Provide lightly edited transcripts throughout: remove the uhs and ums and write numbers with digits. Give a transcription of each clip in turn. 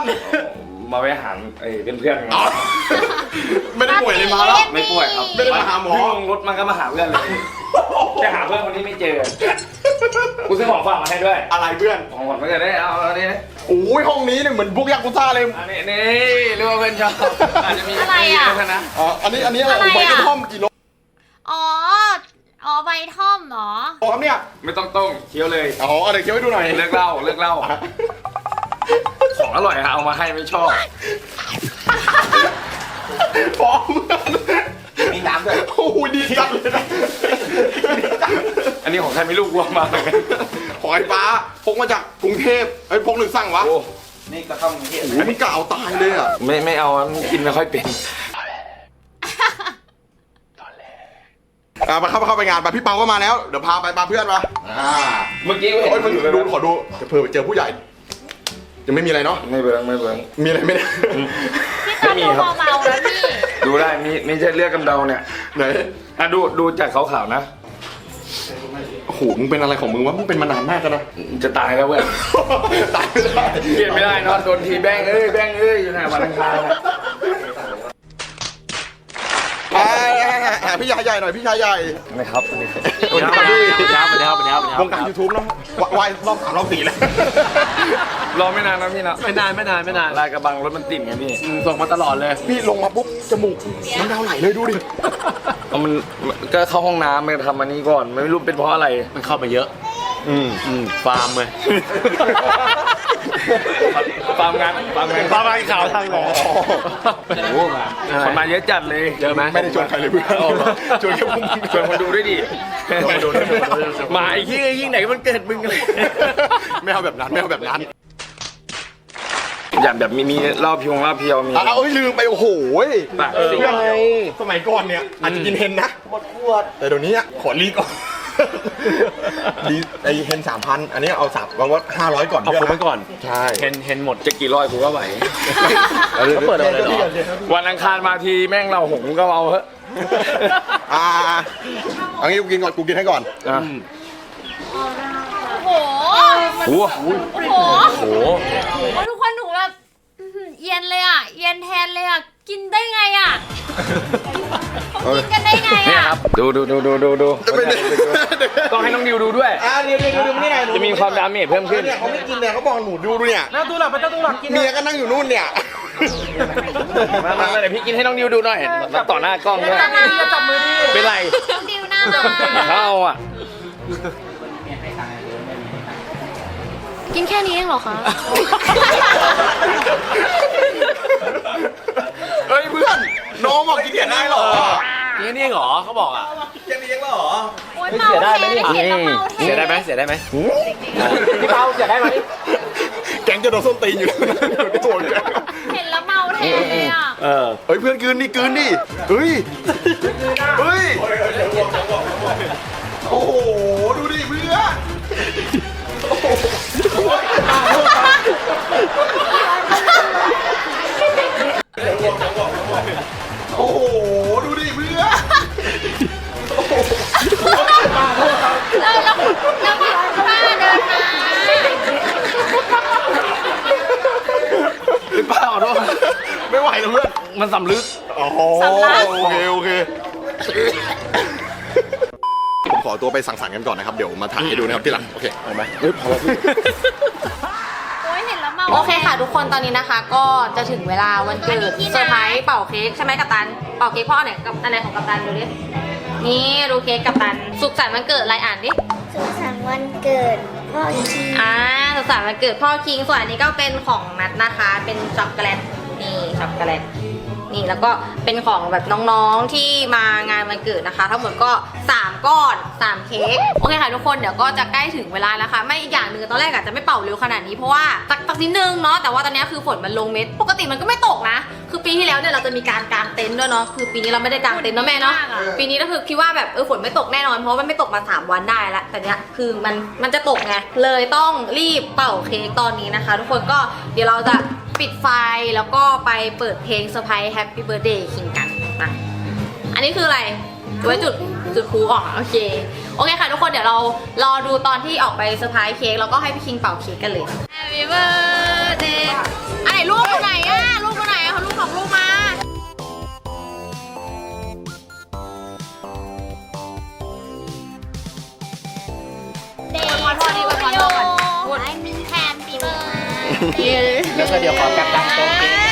มาไปหาเพื่อนๆไม่ได้ป่วยเลยมาแล้วไม่ป่วยครับไม่ได้มาหาหมอเพิ่งลงรถมันก็มาหาเพื่อนเลยจะหาเพื่อนคนนี้ไม่เจอกูซื้อของฝากมาให้ด้วยอะไรเพื่อนของขวัญมาเกิดได้เอาอันนี้โอ้ยห้องนี้เนี่ยเหมือนบุกยักษ์กุซ่าเลยอันนี้รู้ว่าเพื่อนชอบอาจจะมีอะไรอ่ะนะอันนี้อะไรใบกระท่อมกี่โลอ๋อใบท่อมเหรอครับเนี่ยไม่ต้องต้มเคี้ยวเลยอ๋อเดี๋ยวเคี้ยวให้ดูหน่อยเลิกเล่าของอร่อยเอามาให้ไม่ชอบฟ้องมีน้ำด้วยโอ้โหดีจังเลยนะอันนี้ของใครไม่รู้รวมมาเลยของไอ้ฟ้าพกมาจากกรุงเทพไอ้ยพกหรือสั่งวะโอ้นี่ก็ต้องเทียบโอ้โหมันกล่าวตายเลยอ่ะไม่เอากินไม่ค่อยเป็นมาเข้าไปงานไปพี่เปาก็มาแล้วเดี๋ยวพาไปเพื่อนมาเมื่อกี้โอ้ยมึงดูขอดูเผื่อเจอผู้ใหญ่ยังไม่มีอะไรเนาะไม่เบิ้งมีอะไรไม่ได้พี่ตาดูเมาๆแล้วพี่ดูได้ไม่ใช่เลือดกำเดาเนี่ยไหนอ่ะดูจากขาวๆนะโอ้โหมึงเป็นอะไรของมึงวะมึงเป็นมานานมากแล้วนะจะตายแล้วเว้ยตายไม่ได้เปลี่ยนไม่ได้นอนโดนทีแบงเอ้ยอยู่ไหนวันอังคารพี่ชายใหญ่หน่อยพี่ชายใหญ่นะครับสวัสดีครับวงการยูทูบเนาะวายรอบ3รอบ4แล้วรอไม่นานนะพี่นะไม่นานลายกระบังรถมันติ่มไงพี่ส่งมาตลอดเลยพี่ลงมาปุ๊บจมูกน้ำดาวไหลเลยดูดิมันก็เข้าห้องน้ำไปทำอันนี้ก่อนไม่รู้เป็นเพราะอะไรมันเข้ามาเยอะฟาร์มเลยฟาร์มงานข่าวทางไหนคนมาเยอะจัดเลยเยอะไหมไม่ได้ชวนใครเลยเพื่อนชวนแค่พวกมึงชวนคนดูด้วยดิมาไอ้ยิ่งไหนมันเกิดมึงเลยไม่เอาแบบนั้นไม่เอาแบบนั้นอยากแบบมีเหล้าเพียวมีเอ้ยลืมไปโอ้โหปากเพื่อนสมัยก่อนเนี่ยอาจจะกินเฮนนะหมดขวดแต่เดี๋ยวนี้ขอรีก่อนดีไอเฮน3,000อันนี้เอาสับว่า500ก่อนเอาคนไปก่อนใช่เห็นหมดจะกี่ร้อยกูก็ไหวเขาเปิดอะไรเหรอวันอังคารมาทีแม่งเราหงก็เอาเถอะเอางี้กูกินก่อนกูกินให้ก่อนโอ้โหโอ้โหโอ้โหโอ้โหทุกคนหนูแบบเย็นเลยอ่ะ เย็นแทนเลยอ่ะ กินได้ไงอ่ะเขากินกันได้ไงเนี่ยอ่ะครับดูต้องให้น้องดิวดูด้วยเดี๋ยวนี่ไงจะมีความดาเมจเพิ่มขึ้นเนี่ยเขาไม่กินเนี่ยเขาบอกหนูดูเนี่ยหน้าตู้หลักไปเจ้าตู้หลักกินเมียก็นั่งอยู่นู่นเนี่ยมาเดี๋ยวพี่กินให้น้องดิวดูหน่อยต่อหน้ากล้องด้วยจับมือดิเป็นไรน้องดิวน่ารักเข้าอ่ะกินแค่นี้เองเหรอคะเฮ้ยเพื่อนน้องบอกกินเห็ดได้เหรอกินนี่เหรอเขาบอกอ่ะกินเองเหรอโอ๊ยเมาแทนได้เห็นแล้วเมาแทนเสียได้ไหมพี่เปาเสียได้ไหมแกงจะโดนส้นตีนอยู่โถ่แกเห็นแล้วเมาแทนเลยอ่ะเฮ้ยเพื่อนกลืนดิเฮ้ยโอ้โหดูดิเพื่อนโอ้โหดูดิเพื่อนแล้วป้าเดินมาพี่เปาขอโทษไม่ไหวแล้วเพื่อนมันสำลึกอ๋อโอเคผมขอตัวไปสั่งสรรค์กันก่อนนะครับเดี๋ยวมาถ่ายให้ดูนะครับที่หลังโอเคเอาไหมเฮ้ยพอแล้วพี่โอ๊ยเห็นแล้วเมาโอเคค่ะทุกคนตอนนี้นะคะก็จะถึงเวลาวันเกิดเซอร์ไพรส์เป่าเค้กใช่ไหมกัปตันเป่าเค้กพ่ออันไหนกับอันไหนของกัปตันดูดินี่ดูเค้กกัปตันสุขสันต์วันเกิดอะไรอ่านดิสุขสันต์วันเกิดพ่อคิงสุขสันต์วันเกิดพ่อคิงส่วนอันนี้ก็เป็นของนัดนะคะเป็นช็อกโกแลตนี่ช็อกโกแลตนี่แล้วก็เป็นของแบบน้องๆที่มางานวันเกิดนะคะทั้งหมดก็3ก้อน3เค้กโอเคค่ะทุกคนเดี๋ยวก็จะใกล้ถึงเวลาแล้วค่ะไม่อีกอย่างหนึ่งตอนแรกอาจจะไม่เป่าเร็วขนาดนี้เพราะว่าตักนิดนึงเนาะแต่ว่าตอนนี้คือฝนมันลงเม็ดปกติมันก็ไม่ตกนะคือปีที่แล้วเนี่ยเราจะมีการกางเต็นท์ด้วยเนาะคือปีนี้เราไม่ได้กางเต็นท์เนาะแม่เนาะปีนี้ก็คือคิดว่าแบบฝนไม่ตกแน่นอนเพราะว่ามันไม่ตกมา3วันได้แล้วแต่เนี้ยคือมันจะตกไงเลยต้องรีบเป่าเค้กตอนนี้นะคะ ทุกคนก็เดี๋ยวเราจะปิดไฟแล้วก็ไปเปิดเพลงเซอร์ไพรส์ Happy Birthday คิงกันนะอันนี้คืออะไรไว้จุดพลุออกโอเคค่ะทุกคนเดี๋ยวเรารอดูตอนที่ออกไปเซอร์ไพรส์เค้กแล้วก็ให้พี่คิงเป่าเค้กกันเลย Happy Birthday อันไหนลูกอยู่ไหนอะลูกอยู่ไหนอะเขาลูกของลูกมาเด็กขอโทษดีกว่าขอโทษก่อนไอ้มีแฮมปีเบอร์แล้วก็เดี๋ยวขอกลับตังโต๊ะเกม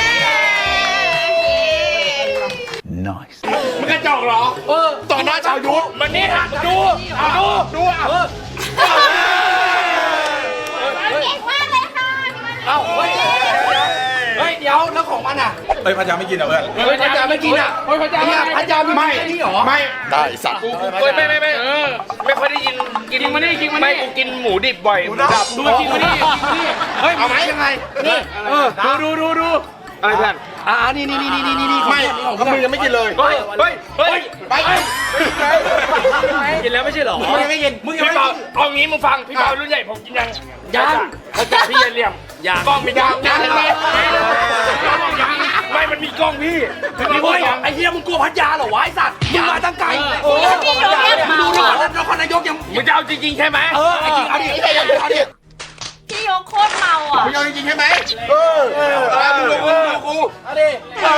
มึงกระจอกเหรอต่อหน้าชาวยุทธมันนี่ฮะดูดูอ่ะเก่งมากเลยค่ะเอ้าเฮ้ยเดี๋ยวแล้วของมันอ่ะเฮ้ยพันยาไม่กินเหรอเพื่อนเฮ้ยพระจาไม่กินอ่ะเฮ้ยพระจาพระจาไม่นี่หรอไม่ได้สัตว์เฮ้ยไม่ไม่ค่อยได้ยินกินมานี่กินมานี่ไม่กูกินหมูดิบบ่อยหมูดับดูกินมานี่เฮ้ยเอาไหมยังไงนี่ดูอะไรเพื่อนนี่ไม่เขามือยังไม่กินเลยเฮ้ยไปกินแล้วไม่ใช่หรอมึงยังไม่กินมึงยังไม่กินเอางี้มึงฟังพี่เปารุ่นใหญ่ผมกินยังเขาจ่าพี่เหลี่ยมกล้องมีกล้องนะไม่มันมีกล้องพี่ไอ้เหี้ยมึงกลัวพัทยาเหรอวะไอ้สัตว์มึงมาตั้งไกลดูก่อนนครนายกยังมึงจะเอาจริงๆใช่ไหมไอ้จริงเอาดิเอาดิพี่ยกโคตรเมาอ่ะมึงเอาจริงๆใช่ไหมมึงดูกูเอาดิ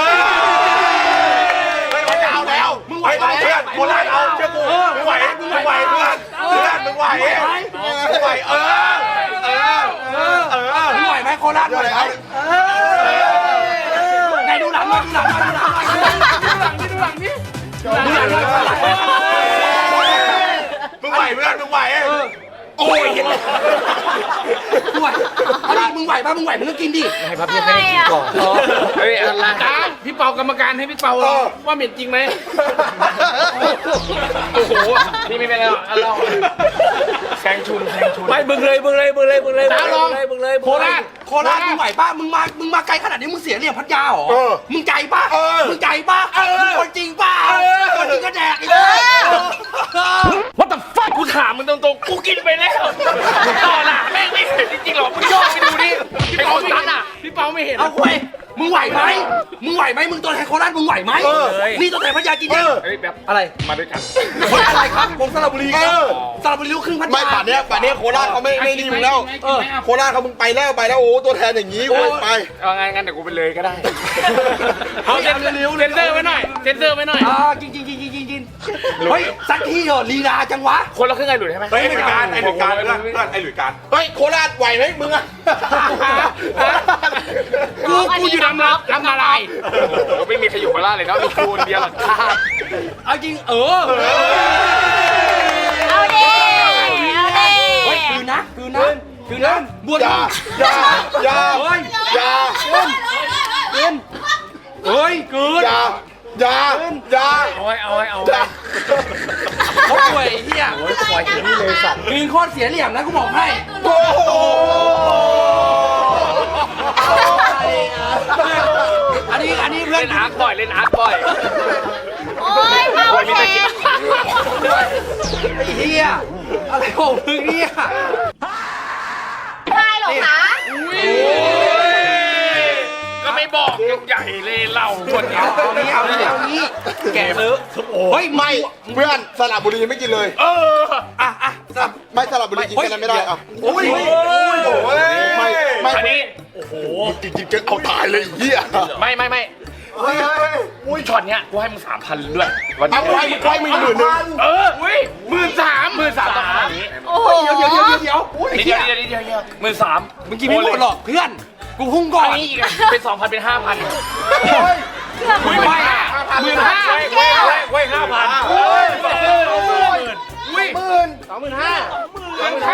ไม่เอาแล้วมึงไหวไหมเพื่อนโคราชเอาเชื่อกูมึงไหวเพื่อนมึงไหวมึงไหวมึงไหวไหมโคราชไหวไหมไหนดูหลังมาดูหลังนี่มึงไหวเพื่อนมึงไหวโอ้ยมึงไหวมึงไหวป่ะมึงไหวมึงก็กินดิให้พับยังไม่ได้กินก่อนเฮ้ยอะไรพี่เปากรรมการให้พี่เปาว่าเหม็นจริงไหมโอ้โหนี่ไม่เป็นไรเราแซงชุนไม่มึงเลยโคราชมึงไหวป่ะมึงมาไกลขนาดนี้มึงเสียเหลี่ยมพัทยาเหรอมึงใจป่ะมึงคนจริงป่ะคนจริงก็แดกอีกWhat the fuck กูถามมึงตรงๆกูกินไปแล้วต่อหน้าแม่งไม่เห็นจริงๆหรอมึงย่อไปดูดิไอ้คนนั้นอ่ะพี่เปาไม่เห็นเอาคุยมึงไหวไหมมึงตัวแทนโคราชมึงไหวไหมนี่ตัวแทนพัทยากินดิแบบอะไรมาด้วยกันคนอะไรครับผมสระบุรีสระบุรีลูกครึ่งพัทยาไม่ป่านเนี้ยโคราชเขาไม่ดีมึงแล้วโคราชเขามึงไปแล้วโอ้ตัวแทนอย่างนี้ไปเอางั้นเดี๋ยวกูไปเลยก็ได้เอาเร็วเซนเซอร์ไว้หน่อยกินเฮ้ยสักทีเหรอลีลาจังวะคนละครึ่งไอ้หลุยใช่ไหมไอ้หลุยการเพื่อนไอ้หลุยการเฮ้ยโคราชไหวไหมมึงอะกูอยู่น้ำอะไรก็ไม่มีใครอยู่โคราชเลยนะมีกูคนเดียวหรอกเอาจริงเอาดิเฮ้ยคืนนะบวชอย่ากินเฮ้ยคืนอย่าเอาเขาป่วยเฮียป่วยอย่างนี้เลยสัตว์คืนโคตรเสียเหลี่ยมนะกูบอกให้โอ้โหอันนี้เพื่อนเล่นอาร์คบ่อยโอ้ยเมาแทนไอ้เฮียอะไรของมึงเนี่ยใช่หรอคะก็ไม่บอกใหญ่เลยเราคนนี้เอานี้แกซื้อเฮ้ยไม่เพื่อนสระบุรีไม่กินเลยไม่สระบุรีกินกันไม่ได้โอ้ยไม่อันนี้โอ้โหกินกันเอาตายเลยเฮียไม่อุ้ยช็อตเนี้ยกูให้มึง 3,000ด้วยวันนี้กูให้มึง10,000อุ้ย13,000ต่ออันนี้โอ้โหเดี๋ยว13,000มึงกินไม่หมดหรอกเพื่อนกูพุ่งก่อนอันนี้อีกเป็น 2,000 เป็น 5,000ไม่ไหว15,000เว้ย 5,000อุ้ย25,000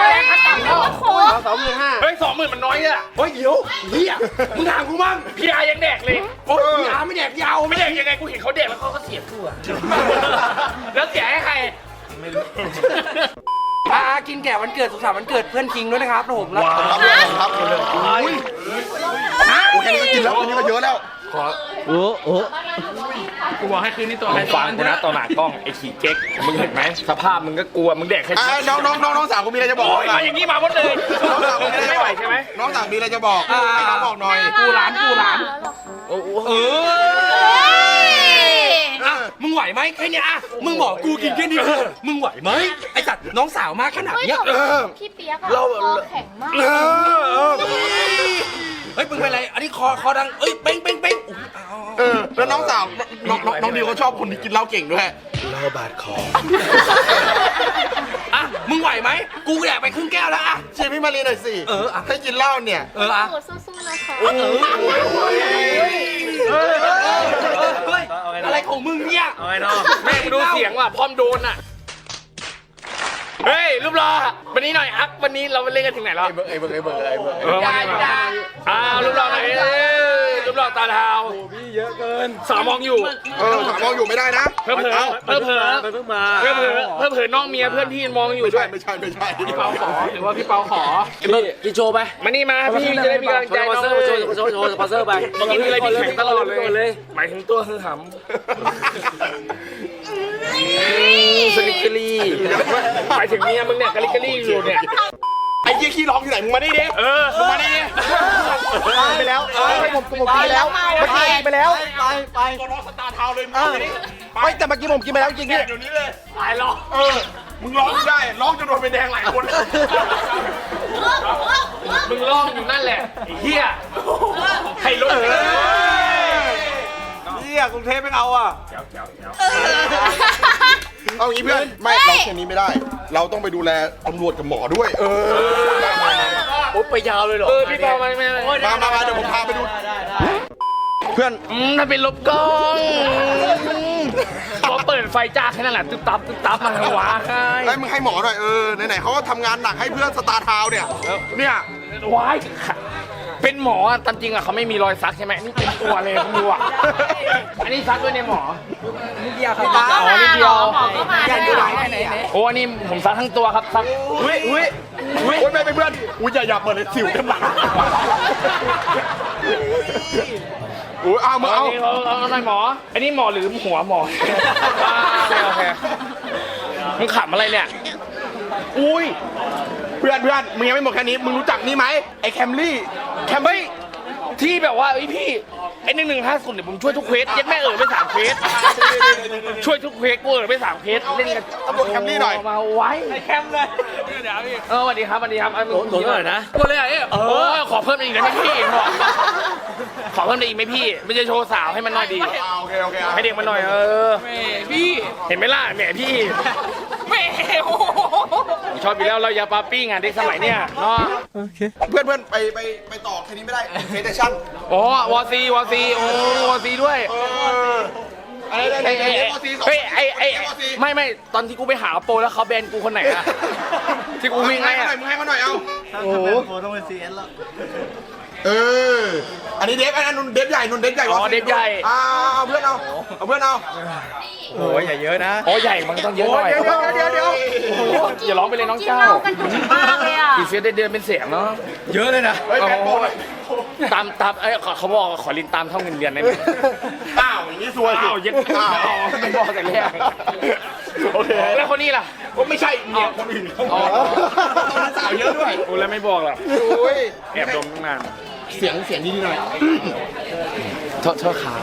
เฮ้ย 20,000 มันน้อยอ่ะเฮ้ยเดี๋ยวเฮียมึงถามกูมั่งพี่อายังแดกเลยโอ้ยพี่อาไม่แดกยาวไม่แดกยังไงกูเห็นเขาแดกแล้วเขาก็เสียบกูอ่ะแล้วเสียให้ใครไม่รู้กินแก่วันเกิดสุขสันต์วันเกิดเพื่อนคิงด้วยนะครับผมแล้วครับเลยอุ้ยแค่นี้ก็กินแล้วอันนี้ก็เยอะแล้วขอกูบอกให้คืนนี้ตัวอะไรฟังกูนะต่อหน้ากล้องไอ้ขี่เก๊กมึงเห็นไหมสภาพมึงก็กลัวมึงแดกแค่น้องสาวกูมีอะไรจะบอกมาอย่างนี้มาหมดเลยน้องสาวกูไม่ไหวใช่ไหมน้องสาวมีอะไรจะบอกให้น้องบอกหน่อยกูหลานมึงไหวไหมแค่นี้มึงบอกกูกินแค่นี้มึงไหวไหมไอ้สัตว์น้องสาวมากขนาดนี้พี่เปียกอะคอแข็งมากฮ้ยมึงเป็นไรอันนี้คอดังเอ้ยเป้งแล้วน้องสาวน้องดิวเขาชอบคนที่กินเหล้าเก่งด้วยเหล้าบาดคออ่ะมึงไหวไหมกูอยากไปครึ่งแก้วแล้วอ่ะเชียร์พี่มารีหน่อยสิอ่ะให้กินเหล้าเนี่ยอ่ะโอ้สู้ๆนะคะเฮ้ยอะไรของมึงเนี่ยแม่งดูเสียงว่ะพร้อมโดนอ่ะเฮ้ยรูปรอวันนี้หน่อยอัพวันนี้เราไปเล่นกันถึงไหนแล้วไอ้เบิร์รูปรอหน่อยรูปรอตาเทาพี่เยอะเกินสาวมองอยู่ถามมองอยู่ไม่ได้นะเผลอน้องเมียเพื่อนพี่มองอยู่ด้วยไม่ใช่พี่เปาขอหรือว่าพี่เปาขอกินโชว์ไปมานี่มาพี่จะได้มีกำลังใจสปอนเซอร์โชว์สปอนเซอร์ไปกินอะไรพี่แข็งตลอดเลยหมายถึงตัวคือหำสลิกเกอรี่หมายถึงเมียมึงเนี่ยกะลิกกะลี่อยู่เนี่ยไอ้ยี่ขี้ร้องอยู่ไหนมึงมาดิมึงมาดิไปแล้วผมกินแล้วเมื่อกี้กินไปแล้วไปตัวน้องสตาร์ทาวเลยไม่แต่เมื่อกี้ผมกินไปแล้วจริงพี่เดี๋ยวนี้เลยตายหรอมึงร้องได้ร้องจนโดนไปแดงหลายคนมึงร้องอยู่นั่นแหละไอ้เหี้ยให้รถกรุงเทพไม่เอาอ่ะเอางี้เพื่อนไม่เราแค่นี้ไม่ได้ เราต้องไปดูแลตำรวจกับหมอด้วยโอ้ไปยาวเลยเหรอพี่เปามาเดี๋ยวผมพาไปดูเพื่อนถ้าเป็นลบกล้องพอเปิดไฟจ้าแค่นั้นแหละตึ๊บตับมาหัวให้มึงให้หมอหน่อยไหนๆเขาก็ทำงานหนักให้เพื่อนสตาร์ทาวเนี่ยวายเป็นหมอตามจริงอ่ะเขาไม่มีรอยซักใช่ไหมนี่เป็นตัวเลยคุณดูอ่ะอันนี้ซักด้วยในหมอนี่เดียวครับหมอก็มาหมอก็มาไหนโอ้อันนี้ผมซักทั้งตัวครับซักอุ้ยไม่เพื่อนอย่าเปิดเลยสิวเต็มหลังเอาหน่อยหมออันนี้หมอหรือหัวหมอโอเคมึงขำอะไรเนี่ยอุ้ยเพื่อนมึงยังไม่หมดแค่นี้มึงรู้จักนี่ไหมไอ้แคมรี่ที่แบบว่าพี่ไอ้1150เนี่ยผมช่วยทุกเควสยัดแม่ไป3เควสช่วยทุกเควสกูไป3เควสเล่นกันตำรวจแคมรี่หน่อยมาไว้ไอ้แคมเลยเดี๋ยวพี่สวัสดีครับโหลดหน่อยนะกูเลยขอเพิ่มอีกได้ไหมพี่ขอเพิ่มได้อีกไหมพี่ไม่จะโชว์สาวให้มันน้อยดีโอเคให้เด็กมันหน่อยพี่เห็นไหมล่ะแหมพี่ชอบอยู่แล้วเราอย่าปาปี้งานเด็กสมัยเนี้ยเนาะเพื่อนไปต่อแค่นี้ไม่ได้เพจชั่นวอซีวอซีด้วยอะไรไม่ตอนที่กูไปหาโปรแล้วเขาแบนกูคนไหนอะที่กูวิ่งไงอะมึงให้เขาหน่อยเอาโอ้โหต้องเป็นCNแล้วอันนี้เดฟอันนู้นเดฟใหญ่เดฟใหญ่เดฟใหญ่เอาเพื่อนเอาโอ้ยใหญ่เยอะนะใหญ่มันต้องเยอะหน่อยเดี๋ยวอย่าร้องไปเลยน้องเจ้าอีเฟียได้เดือนเป็นเสียงเนาะเยอะเลยนะตามเขาบอกขอลินตามเท่าเงินเดือนได้ไหมอย่างนี้ซวยยึดไม่บอกแต่แรกโอเคแล้วคนนี้ล่ะไม่ใช่เนี่ยคนอื่นสาวเยอะด้วยโอ้แล้วไม่บอกหรอแอบดมตั้งนานเสียงดีหน่อยเธอขาว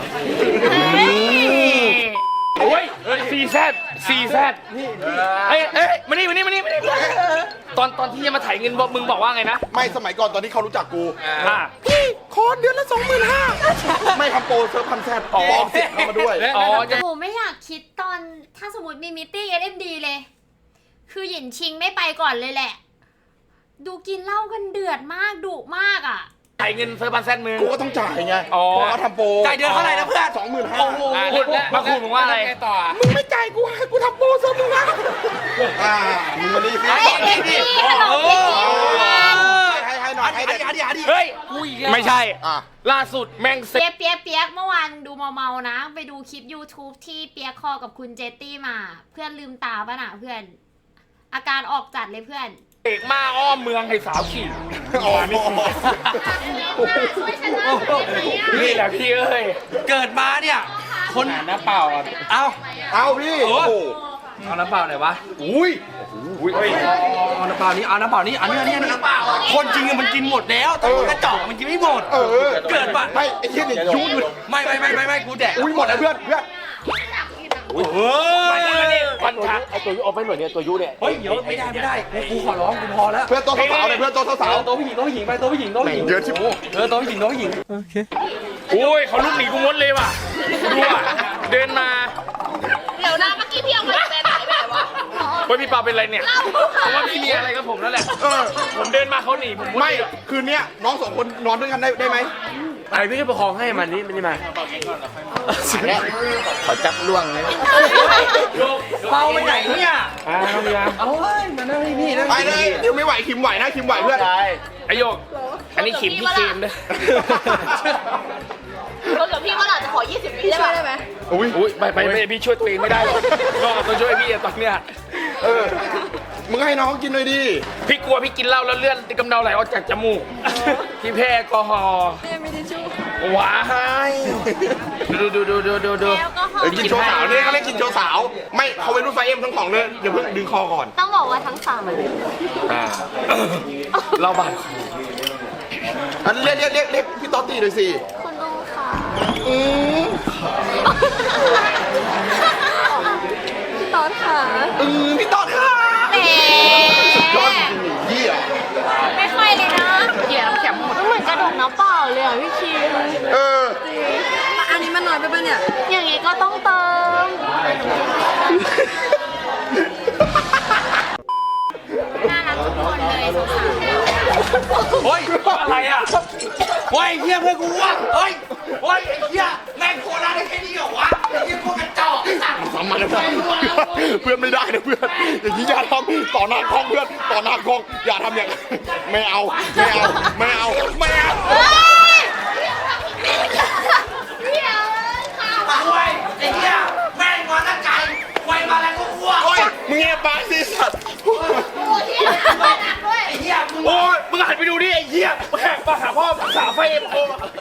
โอ้ย4Z เอ้ยมานี่ตอนที่จะมาถ่ายเงินมึงบอกว่าไงนะไม่สมัยก่อนตอนที่เขารู้จักกูพี่คอร์สเดือนละ25,000ไม่ทำโปรเซิร์ฟ1,000ปลอมเสียงเข้ามาด้วยโอ้ไม่อยากคิดตอนถ้าสมมติมีมิตติ้ง SMD เลยคือหยินชิงไม่ไปก่อนเลยแหละดูกินเหล้ากันเดือดมากดุมากอ่ะจ่ายเงินเซิร์ฟ1,000มึงกูก็ต้องจ่ายไงเพราะเขาทำโปรจ่ายเดือนเท่าไหร่นะเพื่อน 25,000 โอ้โหมาคูณมึงว่าอะไรต่อมึงไม่จ่ายกูทำโปรเซิร์ฟมึงนะมึงมาดีสิให้หน่อยเฮ้ยไม่ใช่ล่าสุดแม่งเปียกเมื่อวานดูเมานะไปดูคลิป YouTube ที่เปียกคอกับคุณเจตตี้มาเพื่อนลืมตาป่ะน่ะเพื่อนอาการออกจัดเลยเพื่อนเอกมาอ้อมเมืองให้สาวขี่นี่แหละพี่เอ้ยเกิดมาเนี่ยคนน้ำเปล่าเอาพี่เอาน้ำเปล่าไหนวะอุ้ยเอาน้ำเปล่านี้อันนี้น้ำเปล่าคนจริงมันกินหมดแล้วแต่กระจอกมันกินไม่หมดเกิดปะไม่ไอ้เหี้ยเนี่ยยุ่งเลยไม่กูแดกอุ้ยหมดแล้วเพื่อนเฮ้ยวันทักไอตัวยุเอาไปหน่อยเนี่ยตัวยุเนี่ยเฮ้ยเดี๋ยวไม่ได้กูขอร้องกูพอแล้วเพื่อนตัวสาวๆเลยเพื่อนตัวสาวตัวผู้หญิงไปตัวผู้หญิงๆเยอะชิบตัวผู้หญิงโอ้ยเขาลุกหนีกูมดเลยว่ะดูอ่ะเดินมาเดี๋ยวนะเมื่อกี้พี่เอามาแบนไหนแบบวะเฮ้ยพี่เปาเป็นไรเนี่ยเพราะว่าพี่มีอะไรกับผมนั่นแหละผมเดินมาเขาหนีผมไม่คืนเนี้ยน้องสองคนนอนด้วยกันได้ไหมไอพี่ก็ประคองให้มันนี่มันนี่มาขอจับล่วงเลยเปาไปไหนเนี่ยเอาเมียเอาเฮ้ยมานั่งนี่นั่งไปเลยคิมไม่ไหวคิมไหวนะคิมไหวเพื่อนไอโยกอันนี้ขิมพี่เกมด้วยรถกับพี่ว่าหล่ะจะขอ 20 วิได้ไหมอุ้ยไปพี่ช่วยตัวเองไม่ได้หรอกก็ต้องช่วยพี่อะตอนเนี้ยมึงให้น้องกินเลยดิพี่กลัวพี่กินเหล้าแล้วเลือดกำเดาไหลออกจากจมูกพี่แพ้แอลกอฮอล์ว้ายดูแอลกอฮอล์กินโชว์สาวเนี่ยเขาเรียกกินโชว์สาว ไม่เขาเป็นรุ่นไฟเอ็มทั้งของเลยเดี๋ยวเพิ่งดึงคอก่อนต้องบอกว่าทั้งสามเราบาดอันเรียกพี่ต๊อตตีเลยสิคุณลุงค่ะพี่ต๊อดค่ะพี่ต๊อตค่ะแหมสุดยอดจริงๆเยี่ยไม่ค่อยเลยนะเดี๋ยวแข็งหมดเหมือนกระดกน้ำเปล่าเลยอ่ะพี่คิมอันนี้มันน้อยไปปะเนี่ยอย่างงี้ก็ต้องเติมน่ารักทุกคนเลยสาวๆเฮ้ยอะไรอ่ะเฮ้ยเฮียเพื่อนกูวะเฮ้ยไอ้เฮียแม่งโคราชได้แค่นี้เหรอวะไอ้เฮียพวกกระจอกไอ้สัตว์ทำมาแล้วเพื่อนไม่ได้นะเพื่อนอย่างนี้อย่าทำต่อหน้ากล้องเพื่อนต่อหน้ากล้องอย่าทำอย่างไม่เอาเฮ้ยควยไอ้เหี้ยแม่งมาตั้งไกลควยมาแล้วก็อ้วกโอ้ยมึงเงียบปากสิสัตว์ไอ้เหี้ยมึงโอ้ยมึงหันไปดูดิไอ้เหี้ยแขกมาหาพ่อสาวไฟเอ็มโอ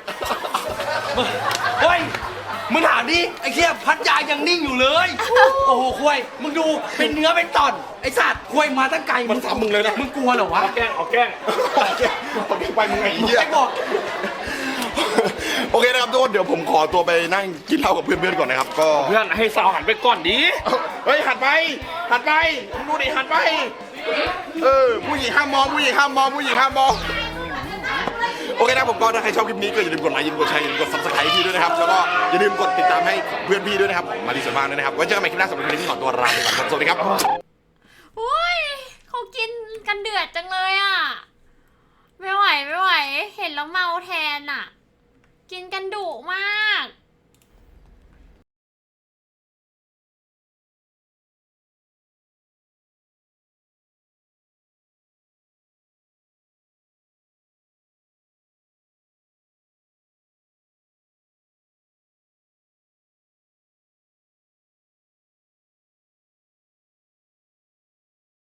เฮ้ยมึงถามดิไอ้เหี้ยพัดยายังนิ่งอยู่เลย โอ้โหควยมึงดูเป็นเนื้อเป็นตอนไอ้สัตว์ควยมาตั้งไกลมันทำมึงเลยนะมึงกลัวเหรอวะแกล้งไปมึงไอ้เหี้ยไอ้บอกโอเคนะครับทุกคนเดี๋ยวผมขอตัวไปนั่งกินเหล้ากับเพื่อนๆก่อนนะครับก็เพื่อนให้สาวหันไปก่อนดิเฮ้ยหันไปมึงดูดิหันไปผู้หญิงห้ามมองผู้หญิงห้ามมองโอเคนะผมก็ถ้าใครชอบคลิปนี้ก็อย่าลืมกดไลค์อย่าลืมกดแชร์อย่าลืมกด subscribe พี่ด้วยนะครับแล้วก็อย่าลืมกดติดตามให้เพื่อนพี่ด้วยนะครับมาดีส่วนมากด้วยนะครับไว้เจอกันใหม่คลิปหน้าสำหรับคลิปนี้ขอตัวลาไปก่อนครับสวัสดีครับอุ้ยเขากินกันเดือดจังเลยอ่ะ ไม่ไหว เห็นแล้วเมาแทนอ่ะ กินกันดุมาก